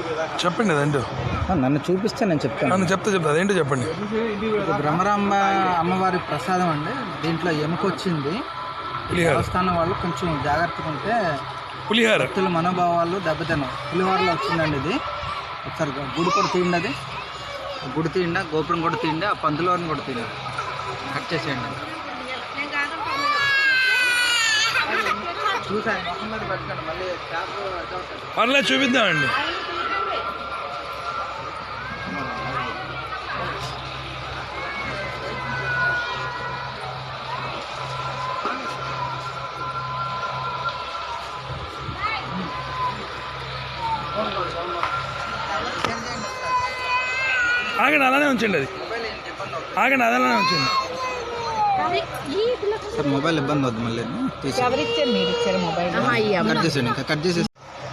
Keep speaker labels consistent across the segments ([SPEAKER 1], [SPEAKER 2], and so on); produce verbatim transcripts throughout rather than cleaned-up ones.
[SPEAKER 1] చెప్పండి అదేంటో.
[SPEAKER 2] నన్ను చూపిస్తే నేను చెప్తాను.
[SPEAKER 1] నన్ను చెప్తే చెప్తా అదేంటో చెప్పండి.
[SPEAKER 2] ఇది బ్రహ్మరాంబ అమ్మవారి ప్రసాదం అండి. దీంట్లో ఎముకొచ్చింది. దేవస్థానం వాళ్ళు కొంచెం జాగ్రత్తగా ఉంటే
[SPEAKER 1] పులిహార
[SPEAKER 2] భక్తుల మనోభావాలు దెబ్బతినం. పులిహోరలో వచ్చిందండి ఇది. ఒకసారి గుడి కూడా తీయండి, అది గుడి తీయండి, గోపురం కూడా తీయండి, ఆ పందులోని కూడా తీయండి, కట్ చేసేయండి. చూసాను మొహం మీద పెట్టండి, మళ్ళీ
[SPEAKER 1] పర్లేదు చూపిద్దామండి. ఆగండి, అలానే ఉంచండి. అది ఆగండి, అలానే ఉంచండి.
[SPEAKER 2] సార్ మొబైల్ ఇబ్బంది వద్దు, మళ్ళీ కట్ చేసేయండి, ఇంకా కట్ చేసేసి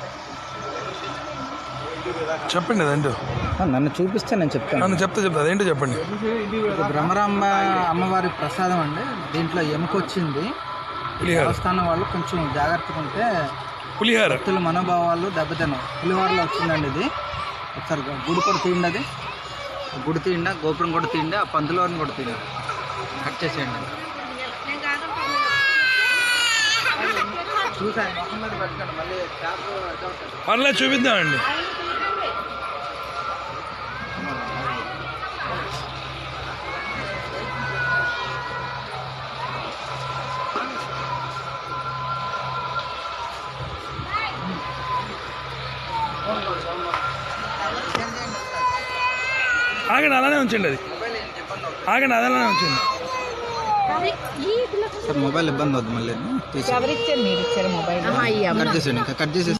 [SPEAKER 1] చెప్పండి అదేంటో.
[SPEAKER 2] నన్ను చూపిస్తే నేను చెప్తాను.
[SPEAKER 1] నన్ను చెప్తే చెప్తా అదేంటో చెప్పండి.
[SPEAKER 2] ఇది బ్రహ్మరాంబ అమ్మవారి ప్రసాదం అండి. దీంట్లో ఎముకొచ్చింది. దేవస్థానం వాళ్ళు కొంచెం జాగ్రత్తగా ఉంటే
[SPEAKER 1] పులిహార
[SPEAKER 2] భక్తుల మనోభావాలు దెబ్బతినం. పులిహోరలో వచ్చిందండి ఇది. ఒకసారి గుడి కూడా తీయండి, అది గుడి తీయండి, గోపురం కూడా తీయండి, ఆ పందులోని కూడా తీయండి, కట్ చేసేయండి. చూసాను మొహం మీద పెట్టండి, మళ్ళీ
[SPEAKER 1] పర్లేదు చూపిద్దామండి. ఆగండి, అలానే ఉంచండి. అది ఆగండి, అలానే ఉంచండి.
[SPEAKER 2] సార్ మొబైల్ ఇబ్బంది వద్దు, మళ్ళీ కట్ చేసేయండి, ఇంకా కట్ చేసేసి